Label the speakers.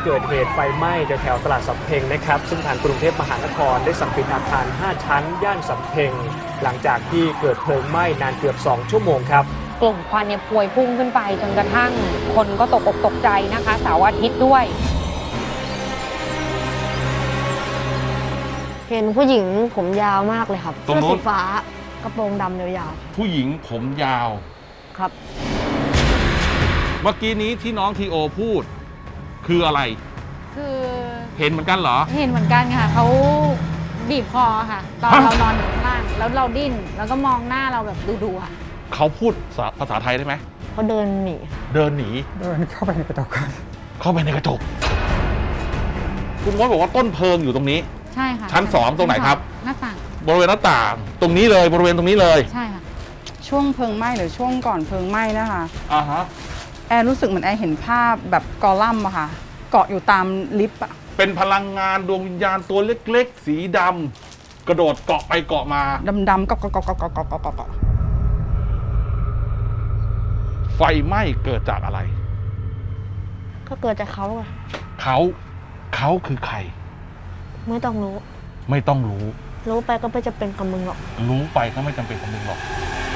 Speaker 1: เกิดเหตุไฟไหม้แถวตลาดสำเพ็งนะครับซึ่งทางกรุงเทพมหานครได้สั่งปิดอาคาร 5 ชั้น ย่านสำเพ็งหลังจากที่เกิดเพลิงไหม้นานเกือบ 2 ชั่วโมงครับ
Speaker 2: กลุ่มควันเนี่ยพวยพุ่งขึ้นไปจนกระทั่งคนก็ตกอกตกใจนะคะเสาร์อาทิตย์ด้วย
Speaker 3: เห็นผู้หญิงผมยาวมากเลยครับ
Speaker 4: ตรงนู้น
Speaker 3: เสื้อสีฟ้ากระโปรงดำยาว
Speaker 4: ผู้หญิงผมยาว
Speaker 3: ๆครับ
Speaker 4: เมื่อกี้นี้ที่น้องทีโอพูด คืออะไร
Speaker 5: คือ
Speaker 4: เห็นเหมือนกันเหรอ
Speaker 5: เห็นเหมือนกันค่ะเขาบีบคอค่ะ ตอน
Speaker 4: ฮะ
Speaker 5: เรานอนอยู่ข้างล่างแล้วเราดิ้นแล้วก็มองหน้าเราแบบดูๆค่ะ
Speaker 4: เขาพูดภาษาไทยได้ไหม
Speaker 3: เขาเดินหนี
Speaker 4: เดินหนี
Speaker 6: เดินเข้าไปในกระจก
Speaker 4: เข้าไปในกระจก คุณมดบอกว่าต้นเพลิงอยู่ตรงนี้
Speaker 5: ใช่ค่ะ
Speaker 4: ชั้นสองตรงไหนครับ
Speaker 5: หน้าต่าง
Speaker 4: บริเวณหน้าต่าง ตรงนี้เลยบริเวณตรงนี้เลย
Speaker 5: ใช่ค่ะ
Speaker 7: ช่วงเพลิงไหม้หรือช่วงก่อนเพลิงไหม้นะคะ
Speaker 4: อ่าฮะ
Speaker 7: แอร์รู้สึกเหมือนแอร์เห็นภาพแบบกอลัมน์อะค่ะ เกาะอยู่ตามลิฟต์อะ
Speaker 4: เป็นพลังงานดวงวิญญาณตัวเล็กๆ สีดำกระโดดเกาะไปเกาะมา
Speaker 7: ดำๆเกาะเกาะเกาะเกาะเกาะเกาะเกาะเกาะ
Speaker 4: ไฟไหม้เกิดจากอะไร
Speaker 3: ก็เกิดจากเขาอะ
Speaker 4: เขาคือใคร
Speaker 3: ไม่ต้องรู้
Speaker 4: ไม่ต้องรู้
Speaker 3: รู้ไปก็ไม่จะเป็นกับมึงหรอก
Speaker 4: รู้ไปก็ไม่จำเป็นต้องมึงหรอก